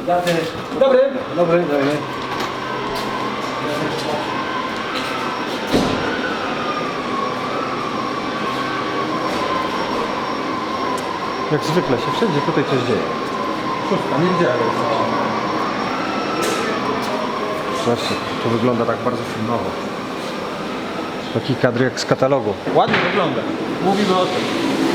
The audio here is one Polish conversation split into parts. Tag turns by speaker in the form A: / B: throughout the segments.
A: Dobry.
B: Dobry. Jak zwykle się wszędzie tutaj coś dzieje.
A: Szóstka, nie widziałem.
B: Zobaczcie, to wygląda tak bardzo filmowo. Taki kadr jak z katalogu.
A: Ładnie wygląda. Mówimy o tym.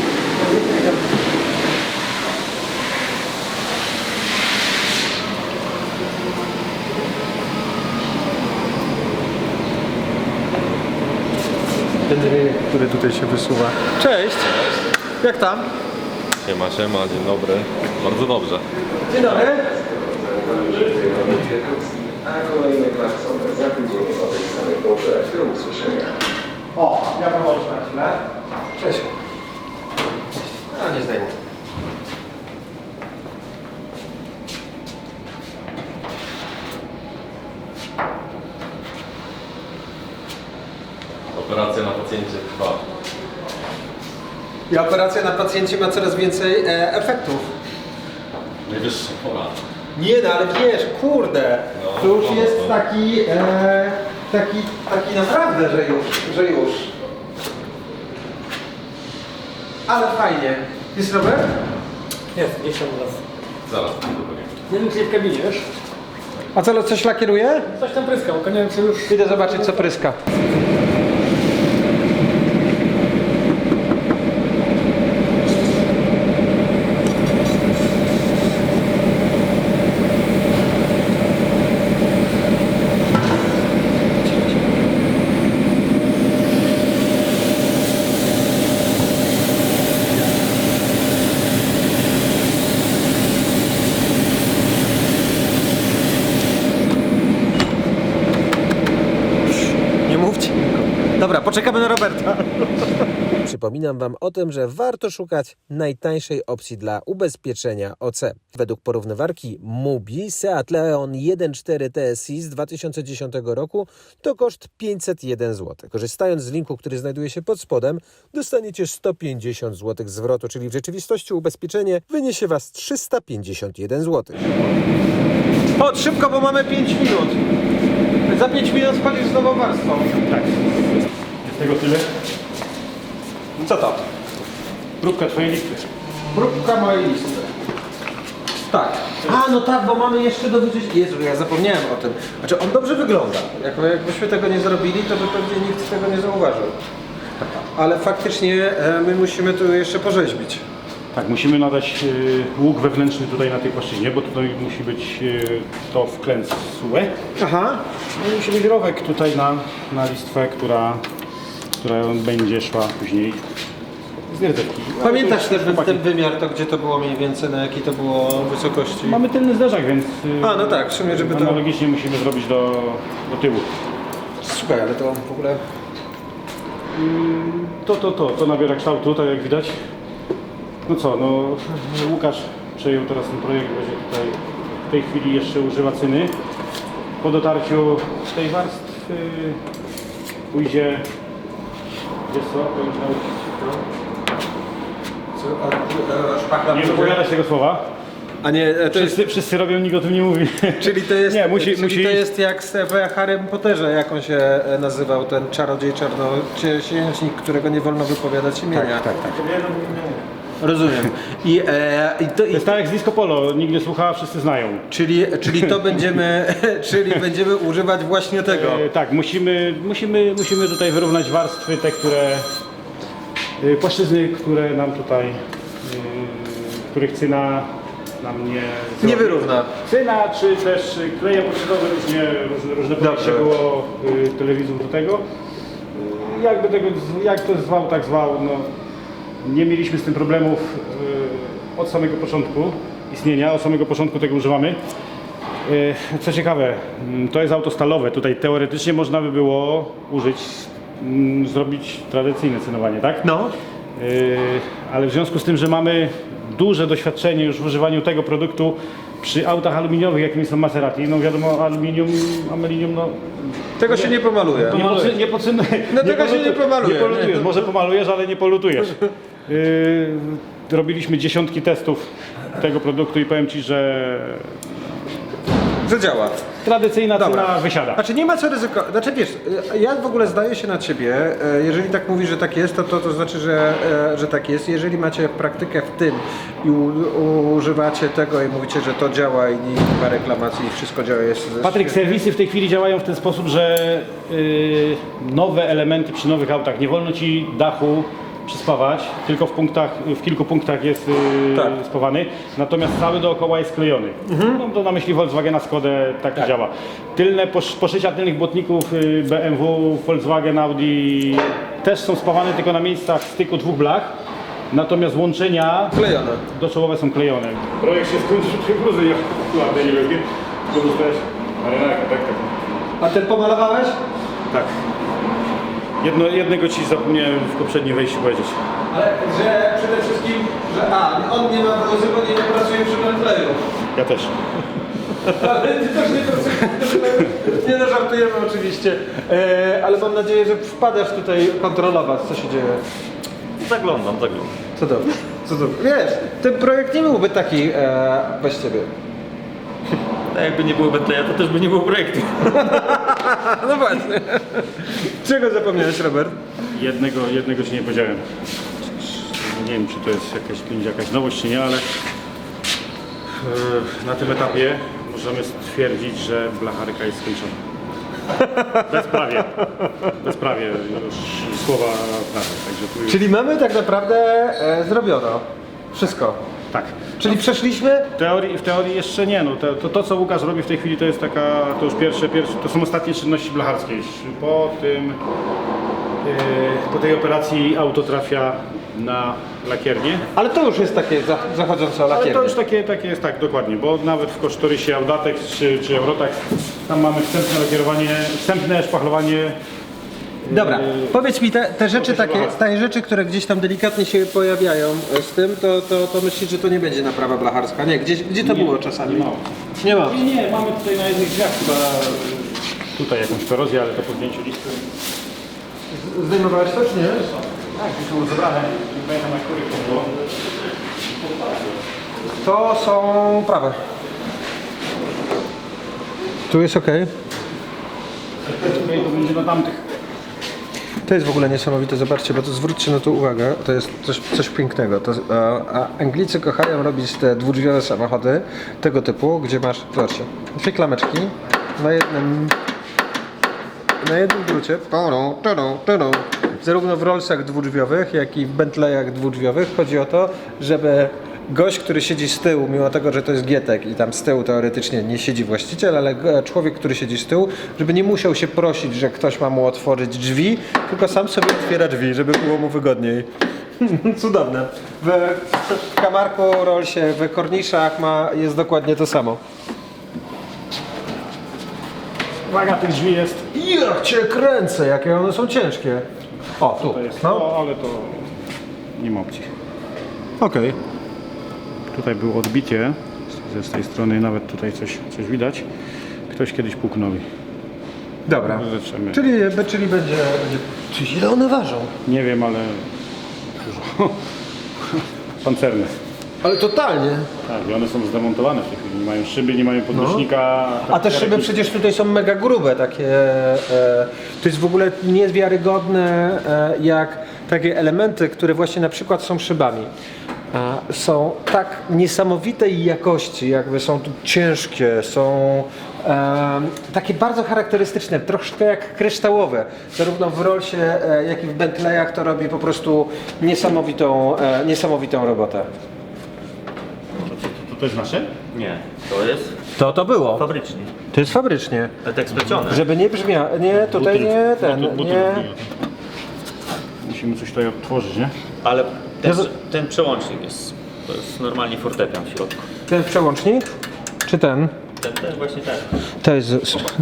B: Ten rynek, który tutaj się wysuwa.
A: Cześć. Jak tam?
C: Siema, dzień dobry. Bardzo dobrze.
A: Dzień dobry.
D: A kolejne klaksony za tydzień o tej samej porze. Do usłyszenia.
A: O, ja mam oczy na chwilę.
B: Cześć.
A: A, nie zdejmę.
C: Operacja na pacjencie trwa.
A: I operacja na pacjencie ma coraz więcej efektów.
C: Najwyższa pora.
A: Nie no, ale wiesz, kurde,
C: No,
A: to już
C: no,
A: jest
C: no.
A: taki naprawdę, że już. Ale fajnie. Jest Robert?
E: Jest, gdzieś tam u nas.
C: Zaraz, to powiem.
E: Nie wiem, czy w kabinie, wiesz?
A: A co, coś lakieruje?
E: Coś tam pryskał, tylko nie wiem, czy już...
A: Idę zobaczyć, co pryska. Nie mówcie. Dobra, poczekamy na Roberta.
F: Przypominam Wam o tym, że warto szukać najtańszej opcji dla ubezpieczenia OC. Według porównywarki MUBI Seat Leon 1.4 TSI z 2010 roku to koszt 501 zł. Korzystając z linku, który znajduje się pod spodem, dostaniecie 150 zł zwrotu, czyli w rzeczywistości ubezpieczenie wyniesie Was 351 zł.
A: Chodź, szybko, bo mamy 5 minut. Za 5 minut wchodzisz z nową warstwą.
G: Tak. Jest tego tyle.
A: Co to?
G: Próbka twojej listy.
A: Próbka mojej listy. Tak. A, no tak, bo mamy jeszcze do wyczyścić. Jezu, ja zapomniałem o tym. Znaczy, on dobrze wygląda. Jakbyśmy tego nie zrobili, to by pewnie nikt tego nie zauważył. Ale faktycznie my musimy tu jeszcze porzeźbić.
G: Tak, musimy nadać łuk wewnętrzny tutaj na tej płaszczyźnie, bo tutaj musi być to wklęc SUE.
A: Aha.
G: No i musi być rowek tutaj na listwę, która będzie szła później z nierdzewki.
A: Pamiętasz ten wymiar, to gdzie to było mniej więcej, na jakiej to było wysokości?
G: Mamy tylny zderzak, więc
A: A, no tak, w sumie, żeby to...
G: analogicznie musimy zrobić do tyłu.
A: Słuchaj, ale to w ogóle...
G: To nabiera kształtu, tak jak widać. No co, no Łukasz przejął teraz ten projekt, będzie tutaj w tej chwili jeszcze używa cyny. Po dotarciu tej warstwy pójdzie, wiesz co,
A: Szpachla
G: nie wypowiadać tego słowa.
A: A nie, to jest...
G: Wszyscy robią, nikt o tym nie mówi.
A: Czyli to jest,
G: Nie, musi-
A: to jest jak w Harrym Potterze, jak on się nazywał, ten czarodziej czarnoksiężnik, którego nie wolno wypowiadać imienia.
G: Tak.
A: Rozumiem.
G: To jest tak jak z Disco Polo, nikt nie słucha, wszyscy znają.
A: Czyli to będziemy, czyli będziemy używać właśnie tego.
G: Tak, musimy tutaj wyrównać warstwy, te, płaszczyzny, które nam tutaj, których cyna nam
A: Nie wyrówna.
G: Cyna, czy też kleje epokszydowe, różne podejście było telewizor do tego. Jak to zwał, tak zwał. No, nie mieliśmy z tym problemów od samego początku istnienia, od samego początku tego używamy. Co ciekawe, to jest auto stalowe. Tutaj teoretycznie można by było zrobić tradycyjne cynowanie, tak?
A: No.
G: Ale w związku z tym, że mamy duże doświadczenie już w używaniu tego produktu przy autach aluminiowych, jakimi są Maserati, no wiadomo, aluminium, no...
A: Tego się nie pomaluje. Tego się nie pomaluje.
G: Nie polutujesz, może pomalujesz, ale nie polutujesz. Robiliśmy dziesiątki testów tego produktu i powiem Ci, że
A: Że działa.
G: tradycyjna
A: Dobra.
G: cena wysiada.
A: Znaczy nie ma co ryzykować. Znaczy wiesz, ja w ogóle zdaję się na ciebie, jeżeli tak mówisz, że tak jest, to znaczy, że tak jest. Jeżeli macie praktykę w tym i używacie tego i mówicie, że to działa i nie ma reklamacji i wszystko działa, jest...
G: Patryk, serwisy w tej chwili działają w ten sposób, że nowe elementy przy nowych autach, nie wolno Ci dachu przyspawać, tylko w kilku punktach jest
A: Tak.
G: spawany, natomiast cały dookoła jest sklejony. Mam to na myśli Volkswagena, Skodę, tak to działa. Tylne poszycia tylnych błotników BMW, Volkswagen, Audi też są spawane tylko na miejscach styku dwóch blach, natomiast
A: Klejone.
G: doczołowe są klejone. Projekt się skończył przy bluzy, ja nie wiem, tylko dostałeś marynarkę, tak.
A: A ten pomalowałeś?
G: Tak. Jednego Ci zapomniałem w poprzednim wejściu powiedzieć.
A: Ale że przede wszystkim, że on nie ma bluzy, bo nie pracuje przy Bentleyu.
G: Ja też.
A: Ale ty też nie pracujesz. Nie no, żartujemy oczywiście. Ale mam nadzieję, że wpadasz tutaj kontrolować, co się dzieje.
C: Zaglądam.
A: Cudownie. Wiesz, ten projekt nie byłby taki bez ciebie.
C: A jakby nie było Bentleya, to też by nie było projektu.
A: No właśnie. Czego zapomniałeś, Robert?
G: Jednego Ci nie powiedziałem. Nie wiem, czy to jest jakaś nowość, czy nie, ale na tym etapie możemy stwierdzić, że blacharka jest skończona. Bezprawie już słowa prawdy. Także tu już...
A: Czyli mamy tak naprawdę zrobiono wszystko.
G: Tak.
A: Czyli przeszliśmy?
G: W teorii jeszcze nie. No, to co Łukasz robi w tej chwili, to jest to już pierwsze, to są ostatnie czynności blacharskie. Po tej operacji auto trafia na lakiernię.
A: Ale to już jest takie zachodzące o
G: Ale
A: lakiernie.
G: to już takie jest tak, dokładnie, bo nawet w kosztorysie Audatex czy Eurotax tam mamy wstępne szpachlowanie.
A: Dobra, powiedz mi te rzeczy te rzeczy, które gdzieś tam delikatnie się pojawiają z tym, to myślisz, że to nie będzie naprawa blacharska? Nie, gdzie to było czasami? Nie ma.
G: Nie, mamy tutaj na jednych drzwiach tutaj jakąś korozję, ale to po zdjęciu listy.
A: Zdejmowałeś to, czy nie?
G: Tak, to było zebrane. Nie pamiętam, na których to było.
A: To są prawe. Tu jest ok.
G: Tutaj to będzie na tamtych.
A: To jest w ogóle niesamowite, zobaczcie, bo to zwróćcie na to uwagę, to jest coś pięknego. A Anglicy kochają robić te dwudrzwiowe samochody tego typu, gdzie masz, zobaczcie, dwie klameczki na jednym drucie, zarówno w Rollsach dwudrzwiowych, jak i w Bentleyach dwudrzwiowych. Chodzi o to, żeby gość, który siedzi z tyłu, mimo tego, że to jest Gietek i tam z tyłu teoretycznie nie siedzi właściciel, ale człowiek, który siedzi z tyłu, żeby nie musiał się prosić, że ktoś ma mu otworzyć drzwi, tylko sam sobie otwiera drzwi, żeby było mu wygodniej. Cudowne. W Kamarku, Rollsie, w Korniszach jest dokładnie to samo.
G: Waga tych drzwi jest.
A: Jak cię kręcę, jakie one są ciężkie. O, tu.
G: To jest
A: No.
G: ale to nie ma opcji.
A: Okej.
G: Tutaj było odbicie z tej strony, nawet tutaj coś widać. Ktoś kiedyś puknął.
A: Dobra.
G: Zaczynamy.
A: Czyli będzie... Czyli ile one ważą?
G: Nie wiem, ale dużo. Pancerne.
A: Ale totalnie.
G: Tak, i one są zdemontowane w tej chwili. Nie mają szyby, nie mają podnośnika.
A: A te szyby przecież tutaj są mega grube, takie. To jest w ogóle niewiarygodne, jak takie elementy, które właśnie na przykład są szybami. Są tak niesamowitej jakości, jakby są tu ciężkie, są takie bardzo charakterystyczne, troszkę jak kryształowe. Zarówno w Rollsie, jak i w Bentleyach to robi po prostu niesamowitą robotę.
G: To też nasze?
C: Nie, to jest
A: To było.
C: fabrycznie.
A: To jest fabrycznie.
C: Tak splecione.
A: Żeby nie brzmiało. Nie, tutaj nie ten. Nie.
G: Musimy coś tutaj odtworzyć, nie?
C: Ale ten przełącznik jest, to jest normalnie fortepian w środku.
A: Ten przełącznik? Czy ten?
C: Ten właśnie ten.
A: To jest.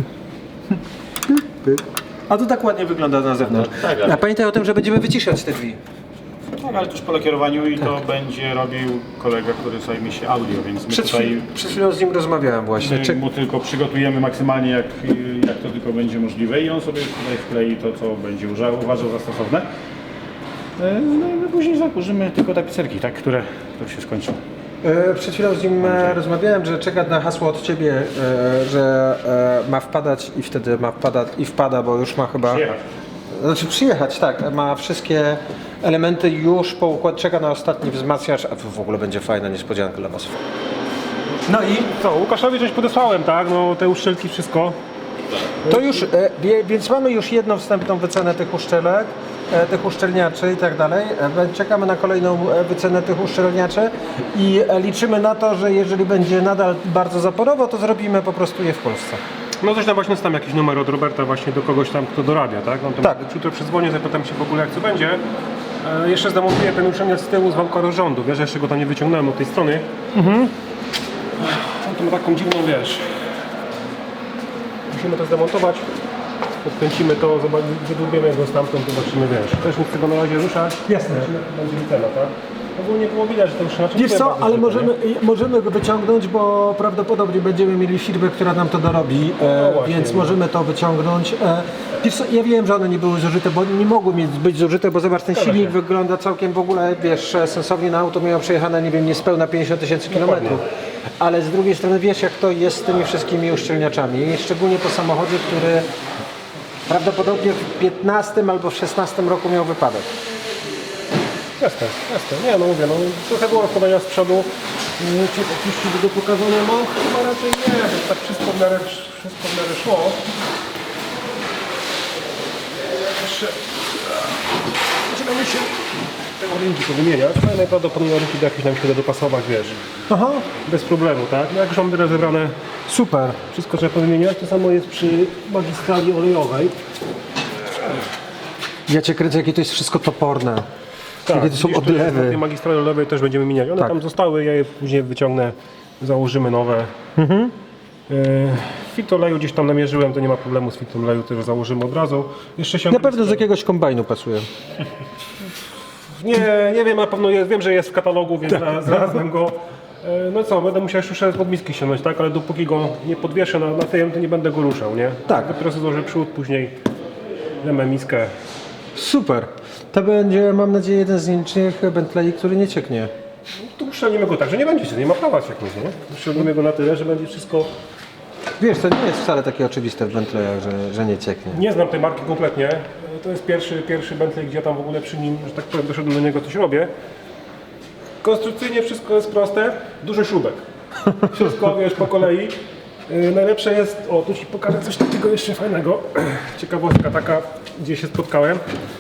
A: A to tak ładnie wygląda na zewnątrz.
C: Tak, ale-
A: A pamiętaj o tym, że będziemy wyciszać te drzwi.
G: Tak, ale też po lakierowaniu i to będzie robił kolega, który zajmie się audio, więc my tutaj
A: Przed chwilą z nim rozmawiałem właśnie.
G: mu tylko przygotujemy maksymalnie jak to tylko będzie możliwe i on sobie tutaj wklei to, co będzie uważał za stosowne. No i my później zakurzymy tylko tapicerki, tak, które się skończą.
A: Przed chwilą z nim rozmawiałem, że czeka na hasło od ciebie, że ma wpadać i wtedy ma wpadać i wpada, bo już ma chyba...
G: Przyjechać.
A: Znaczy przyjechać, tak. Ma wszystkie elementy już po układ, czeka na ostatni wzmacniacz, a w ogóle będzie fajna niespodzianka dla was. No i
G: Co, Łukaszowi coś podesłałem, tak? No te uszczelki, wszystko.
A: to już, więc mamy już jedną wstępną wycenę tych uszczelek, tych uszczelniaczy i tak dalej. Czekamy na kolejną wycenę tych uszczelniaczy i liczymy na to, że jeżeli będzie nadal bardzo zaporowo, to zrobimy po prostu je w Polsce.
G: No coś tam właśnie tam jakiś numer od Roberta właśnie do kogoś tam, kto dorabia, tak? No to
A: Tak.
G: jutro przedzwonię, zapytam się w ogóle jak co będzie. Jeszcze zdemontuję ten uszczelniacz z tyłu z wałka rozrządu, wiesz, jeszcze go tam nie wyciągnąłem od tej strony. No to ma taką dziwną, wiesz. Musimy to zdemontować, podkręcimy to, wydłubiemy go stamtąd, zobaczymy, wiesz. Też nie chcę go na razie ruszać.
A: Jasne.
G: Będzie wycena, tak? Ogólnie było widać, że to uszczelniacz
A: Wiesz
G: nie
A: co,
G: bardzo
A: ale
G: zwykły,
A: możemy go wyciągnąć, bo prawdopodobnie będziemy mieli firmę, która nam to dorobi,
G: właśnie.
A: więc możemy to wyciągnąć. Wiesz co, ja wiem, że one nie były zużyte, bo nie mogły być zużyte, bo zobacz, ten silnik wygląda całkiem w ogóle, wiesz, sensownie. Na auto miało przejechane, nie wiem, niespełna 50 000 kilometrów. Ale z drugiej strony wiesz, jak to jest z tymi wszystkimi uszczelniaczami, szczególnie po samochodzie, który prawdopodobnie w 15 albo w 16 roku miał wypadek.
G: Jasne, jasne. Nie, no mówię, no trochę było rozkładania z przodu. Czy jakieś do pokazania mam? Chyba raczej nie, bo tak wszystko w miarę szło. Jeszcze... Zaczynamy się te rynki powymieniać, ale najprawdopodobniej rynki do jakieś nam się da dopasować, wiesz.
A: Aha,
G: Bez problemu, tak? No jak już mamy rozebrane,
A: super.
G: wszystko trzeba powymieniać. To samo jest przy magistrali olejowej.
A: Ja cię kręcę, jakie to jest wszystko toporne. Jakie to są
G: widzisz, tu jest
A: odlewy.
G: Na tej magistrali olejowej też będziemy mieniać. One
A: Tak.
G: tam zostały, ja je później wyciągnę, założymy nowe. Filtr oleju gdzieś tam namierzyłem, to nie ma problemu z filtrem oleju, też założymy od razu. Jeszcze się
A: Na pewno z jakiegoś kombajnu pasuje.
G: nie wiem, na pewno jest, wiem, że jest w katalogu, więc znalazłem go. No co, będę musiał jeszcze pod miski ściągnąć, tak? Ale dopóki go nie podwieszę na tym, to nie będę go ruszał, nie?
A: Tak.
G: Dopiero sobie złożę przód, później damy miskę.
A: Super. To będzie, mam nadzieję, jeden z nielicznych Bentley, który nie cieknie.
G: Tu uszczelnimy go tak, że nie będzie się, nie ma prawa cieknąć, nie? Uszczelnimy go na tyle, że będzie wszystko...
A: Wiesz, to nie jest wcale takie oczywiste w Bentleyach, że nie cieknie.
G: Nie znam tej marki kompletnie. To jest pierwszy Bentley, gdzie ja tam w ogóle przy nim, że tak powiem, doszedłem do niego, coś robię. Konstrukcyjnie wszystko jest proste, duży śrubek. Wszystko, wiesz, po kolei. Najlepsze jest, o, tu ci pokażę coś takiego jeszcze fajnego. Ciekawostka taka, gdzie się spotkałem.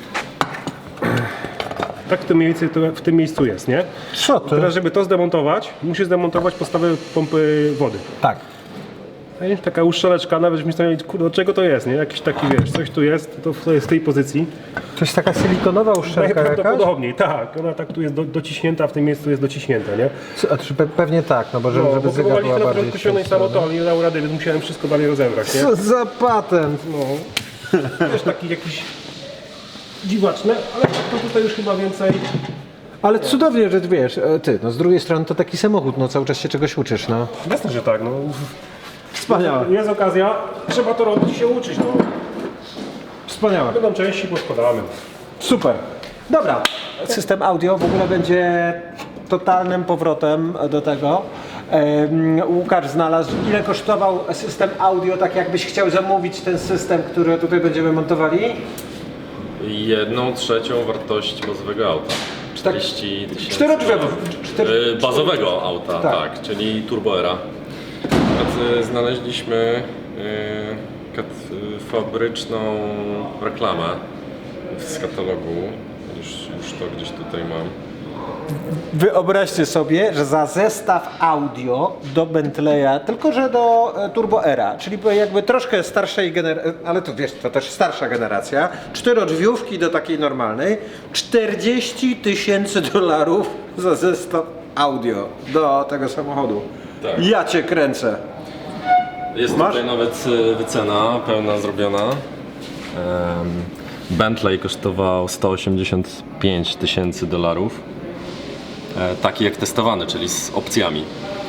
G: Tak w tym miejscu jest, nie?
A: Co ty?
G: Teraz, żeby to zdemontować, musisz zdemontować podstawę pompy wody.
A: Tak.
G: Wiesz, taka uszczeleczka, nawet żeśmy stali, kurde, od czego to jest, nie? Jakiś taki, wiesz, coś tu jest, to jest w tej pozycji.
A: To jest taka silikonowa uszczelka jakaś?
G: Najprawdopodobniej, tak. Ona tak tu jest dociśnięta, w tym miejscu jest dociśnięta, nie?
A: Pewnie tak, no bo żeby
G: Bo
A: zegar
G: próbowaliśmy
A: była
G: na
A: bardziej
G: początku ściągnąć samo to, ale nie dało rady, więc musiałem wszystko dalej rozebrać, nie?
A: Co za patent?
G: No. Wiesz, taki jakiś dziwaczny, ale to tutaj już chyba więcej...
A: Ale cudownie, że wiesz, ty, no z drugiej strony to taki samochód, no cały czas się czegoś uczysz, no.
G: Jasne, że tak, no.
A: Wspaniałe.
G: Jest okazja, trzeba to robić i się uczyć, no.
A: Wspaniałe.
G: Będą części, poskładamy.
A: Super. Dobra. System audio w ogóle będzie totalnym powrotem do tego. Łukasz znalazł, ile kosztował system audio, tak jakbyś chciał zamówić ten system, który tutaj będziemy montowali?
H: 1/3 wartości bazowego auta. 40 000.
A: Czterodrzewów.
H: Bazowego auta,
A: Tak.
H: tak, czyli Turboera. Znaleźliśmy fabryczną reklamę z katalogu. Już to gdzieś tutaj mam.
A: Wyobraźcie sobie, że za zestaw audio do Bentleya, tylko że do Turboera, czyli jakby troszkę starszej generacji, ale to wiesz, to też starsza generacja, 4 do takiej normalnej, $40 000 za zestaw audio do tego samochodu.
H: Tak.
A: Ja cię kręcę.
H: Jest tutaj nawet wycena pełna zrobiona. Bentley kosztował $185 000. Taki jak testowany, czyli z opcjami.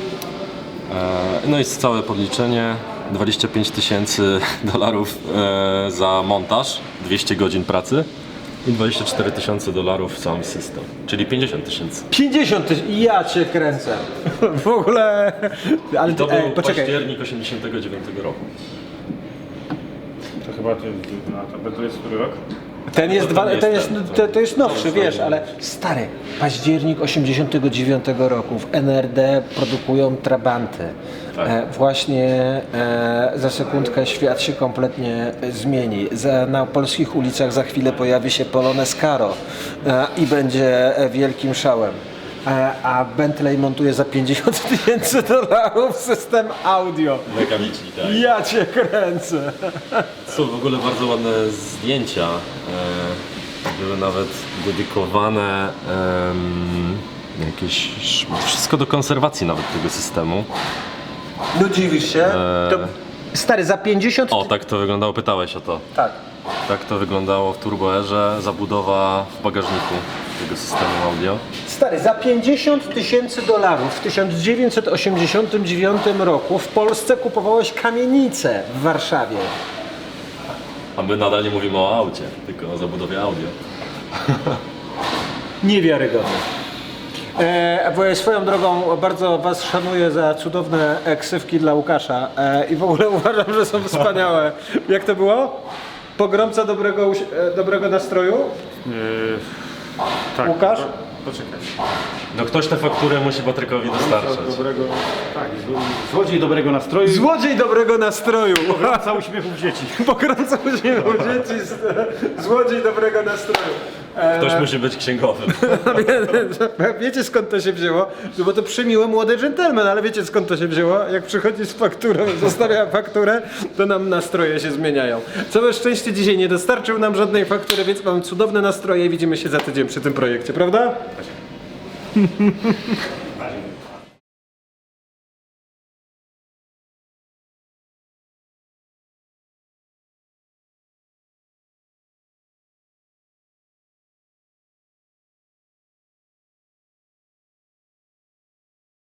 H: No i całe podliczenie $25 000 za montaż, 200 godzin pracy. I $24,000 sam system, czyli 50 000.
A: 50 000, ja cię kręcę. W ogóle... Ale
H: To był
A: poczekaj.
H: październik 89 roku.
G: To chyba to jest który rok?
A: Ten jest,
H: To nie
A: to,
H: jest
A: jest,
H: ten,
A: to jest nowszy,
H: jest
A: wiesz,
H: ten.
A: ale stary, październik 89 roku w NRD produkują trabanty.
H: Tak.
A: Właśnie za sekundkę świat się kompletnie zmieni. Na polskich ulicach za chwilę pojawi się Polonez Caro i będzie wielkim szałem. A Bentley montuje za $50,000 system audio.
H: Mechaniczni, tak.
A: Ja cię kręcę.
H: Są w ogóle bardzo ładne zdjęcia. Były nawet dedykowane jakieś... Wszystko do konserwacji nawet tego systemu.
A: No dziwisz się? To, stary, za 50...
H: O, tak to wyglądało, pytałeś o to.
A: Tak.
H: Tak to wyglądało w Turbo Airze, zabudowa w bagażniku tego systemu audio.
A: Stary, za $50,000 w 1989 roku w Polsce kupowałeś kamienicę w Warszawie.
H: A my nadal nie mówimy o aucie, tylko o zabudowie audio.
A: Niewiarygodne. Bo swoją drogą bardzo was szanuję za cudowne ksywki dla Łukasza i w ogóle uważam, że są wspaniałe. Jak to było? Pogromca dobrego nastroju?
G: Tak.
A: Łukasz?
G: Poczekaj.
H: No ktoś tę fakturę musi Patrykowi dostarczać.
G: Złodziej dobrego nastroju.
A: Złodziej dobrego nastroju.
G: Pogromca uśmiechów dzieci.
A: Pogromca uśmiechu dzieci, złodziej dobrego nastroju.
H: Ktoś musi być księgowym.
A: Wiecie skąd to się wzięło? No bo to przymiły młody dżentelmen, ale wiecie skąd to się wzięło? Jak przychodzi z fakturą, zostawia fakturę, to nam nastroje się zmieniają. Całe szczęście dzisiaj nie dostarczył nam żadnej faktury, więc mam cudowne nastroje i widzimy się za tydzień przy tym projekcie, prawda?